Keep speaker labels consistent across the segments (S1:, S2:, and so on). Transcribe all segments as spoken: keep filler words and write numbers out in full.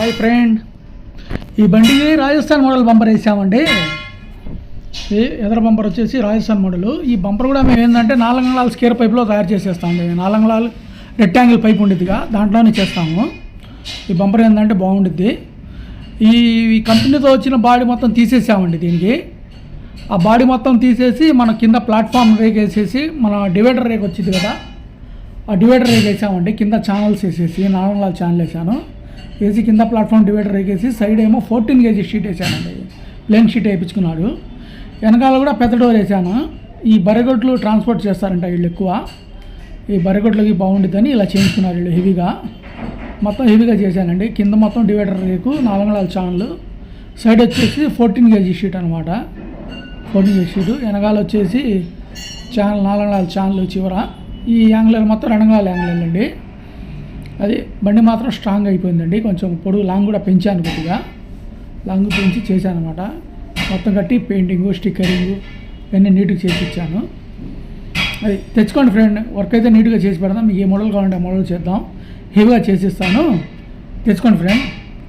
S1: Hi friend, ఈ బండికి Rajasthan model bumper వేసామండి. ఈ ఎదర బంపర్ వచ్చేసి రాజస్థాన్ మోడల్. ఈ బంపర్ కూడా మేము ఏంటంటే నాలుగంగళాల స్కేర్ పైప్లో తయారు చేసేస్తామండి. నాలుగంగళాలు రెక్టాంగిల్ పైప్ ఉండిద్దిగా దాంట్లోనే చేస్తాము. ఈ బంపర్ ఏంటంటే బాగుండిద్ది. ఈ కంపెనీతో వచ్చిన బాడీ మొత్తం తీసేసామండి. దీనికి ఆ బాడీ మొత్తం తీసేసి మన కింద ప్లాట్ఫామ్ రేక్ వేసేసి మన డివైడర్ రేక్ వచ్చింది కదా, ఆ డివైడర్ రేక్ వేసామండి. కింద ఛానల్స్ వేసేసి నాలుగంగళాల ఛానల్ వేసాను. వేసి కింద ప్లాట్ఫామ్ డివైడర్ వేసేసి సైడ్ ఏమో ఫోర్టీన్ కేజీ షీట్ వేసానండి. ప్లేన్ షీట్ వేయించుకున్నాడు. వెనకాల కూడా పెద్ద డోర్ వేసాను. ఈ బర్రెగొడ్లు ట్రాన్స్పోర్ట్ చేస్తారంట వీళ్ళు ఎక్కువ. ఈ బర్రెగొడ్లకి బాగుండిద్దని ఇలా చేయించుకున్నారు వీళ్ళు హెవీగా. మొత్తం హెవీగా చేశానండి. కింద మొత్తం డివైడర్ రేకు, నాలుగంగళాల ఛానల్, సైడ్ వచ్చేసి ఫోర్టీన్ కేజీ షీట్ అనమాట. Fourteen KG sheet. వెనకాల వచ్చేసి ఛానల్, నాలుగంగళాల ఛానల్ చివర. ఈ యాంగ్లర్ మొత్తం రెండంగళాల యాంగ్లర్ అండి. అది బండి మాత్రం స్ట్రాంగ్ అయిపోయిందండి. కొంచెం పొడుగు లాంగ్ కూడా పెంచాను, కొద్దిగా లాంగ్ పెంచి చేశాను అనమాట. మొత్తం కట్టి పెయింటింగు, స్టిక్కరింగు ఇవన్నీ నీట్గా చేసి ఇచ్చాను. అది తెచ్చుకోండి ఫ్రెండ్, వర్క్ అయితే నీట్గా చేసి పెడదాం. మీకు ఏ మోడల్ కావాలంటే ఆ మోడల్ చేద్దాం, హెవీగా చేసిస్తాను. తెచ్చుకోండి ఫ్రెండ్.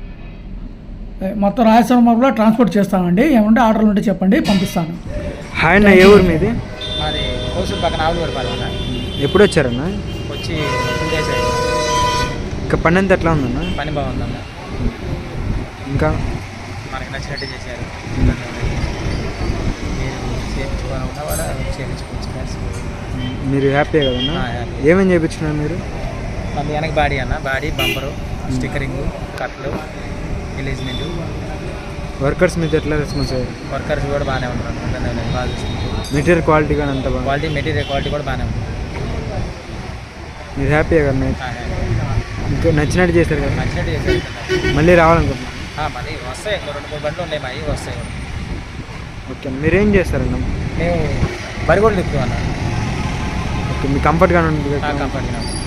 S1: మొత్తం రాజస్థాన్ మార్పులో ట్రాన్స్పోర్ట్ చేస్తామండి. ఏమంటే ఆర్డర్లు ఉంటే చెప్పండి, పంపిస్తాను.
S2: హాయ్ అన్న, ఏ ఊరు మీది?
S3: మాది కోసూరు పక్కన ఆవులూరుపాలెం.
S2: ఎప్పుడు వచ్చారన్న?
S3: వచ్చి టూ డేస్ అయింది.
S2: ఇంకా పని అంతా ఎట్లా ఉందన్న?
S3: పని బాగుందన్న.
S2: ఇంకా
S3: మనకి నచ్చినట్టు చేశారు. మీరు చేయించుకోవాలన్నా కూడా చేయించుకోవచ్చు.
S2: మీరు హ్యాపీ కదన్నా? ఏమేమి చేయించుకున్నారు మీరు?
S3: మన వెనక బాడీ అన్న, బాడీ బంపరు, స్టిక్కరింగు, కట్లు, ఎలిజ్మెంటు.
S2: వర్కర్స్ మీద ఎట్లా రెస్పాన్స్ అయ్యారు?
S3: వర్కర్స్ కూడా బాగానే ఉంటారు. బాగా చూసుకుంటారు.
S2: మెటీరియల్ క్వాలిటీ కానీ అంత బాగా?
S3: క్వాలిటీ మెటీరియల్ క్వాలిటీ కూడా బాగానే ఉంటుంది.
S2: మీరు హ్యాపీ కదా? ఇంకా నచ్చినట్టు చేశారు కదా?
S3: నచ్చినట్టు చేశారు.
S2: మళ్ళీ రావాలనుకుంటున్నాను.
S3: మళ్ళీ వస్తాయి, రెండు మూడు బండ్లు ఉన్నాయి, మావి వస్తాయి.
S2: ఓకే, మీరేం చేస్తారన్న?
S3: మేము బరిగోళ్ళు తిప్పుతాం అన్న.
S2: ఓకే, మీ కంఫర్ట్గానే ఉంటుంది?
S3: కంఫర్ట్గా